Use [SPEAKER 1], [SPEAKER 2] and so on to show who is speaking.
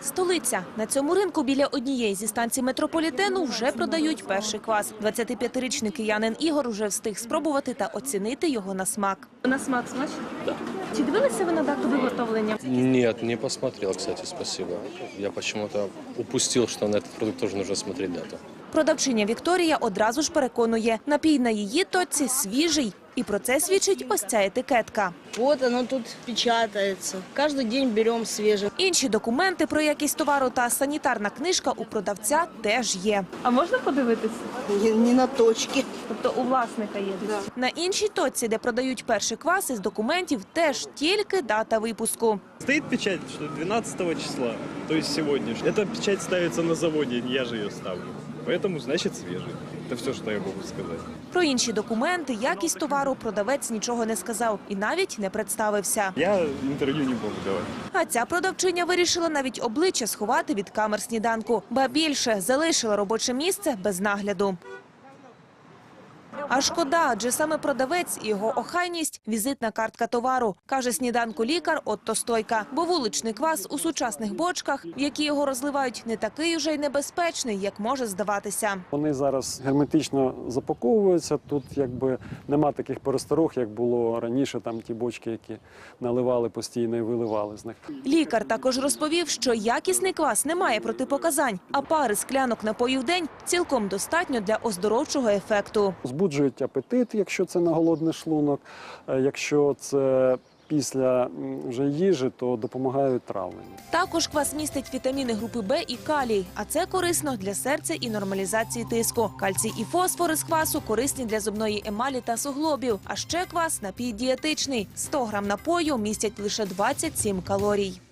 [SPEAKER 1] Столиця. На цьому ринку біля однієї зі станцій метрополітену вже продають перший квас. 25-річний киянин Ігор уже встиг спробувати та оцінити його на смак. На смак смачно?
[SPEAKER 2] Да.
[SPEAKER 1] Чи дивилися ви на дату виготовлення?
[SPEAKER 2] Нет, не посмотрел, кстати, спасибо. Я почему-то упустил, что на этот продукт тоже нужно смотреть дату.
[SPEAKER 1] Продавчиня Вікторія одразу ж переконує, напій на її точці свіжий. І про це свідчить ось ця етикетка.
[SPEAKER 3] Вот оно тут печатается. Каждый день берем свежее.
[SPEAKER 1] Інші документи про якість товару та санітарна книжка у продавця теж є.
[SPEAKER 4] А можна подивитися?
[SPEAKER 3] Не на точке.
[SPEAKER 4] Тобто у власника є десь?
[SPEAKER 1] На іншій точці, де продають перший квас, із документів теж тільки дата випуску.
[SPEAKER 5] Стоит печать, что 12 числа, то есть сегодня. Эта печать ставится на заводе, я же ее ставлю. Поэтому, значит, свежий. Это все, что я могу сказать.
[SPEAKER 1] Про інші документи, якість товару продавець нічого не сказав і навіть не представився.
[SPEAKER 5] Я интервью не могу давать.
[SPEAKER 1] А ця продавчиня вирішила навіть обличчя сховати від камер сніданку. Ба більше, залишила робоче місце без нагляду. А шкода, адже саме продавець і його охайність – візитна картка товару, каже сніданку лікар Отто Стойка. Бо вуличний квас у сучасних бочках, в які його розливають, не такий уже й небезпечний, як може здаватися.
[SPEAKER 6] Вони зараз герметично запаковуються, тут якби нема таких пересторог, як було раніше, там ті бочки, які наливали постійно і виливали з них.
[SPEAKER 1] Лікар також розповів, що якісний квас не має протипоказань, а пари склянок напою в день цілком достатньо для оздоровчого ефекту.
[SPEAKER 6] Збуджують апетит, якщо це на голодний шлунок, якщо це після вже їжі, то допомагають травленню.
[SPEAKER 1] Також квас містить вітаміни групи Б і калій, а це корисно для серця і нормалізації тиску. Кальцій і фосфор із квасу корисні для зубної емалі та суглобів. А ще квас – напій дієтичний. 100 грам напою містять лише 27 калорій.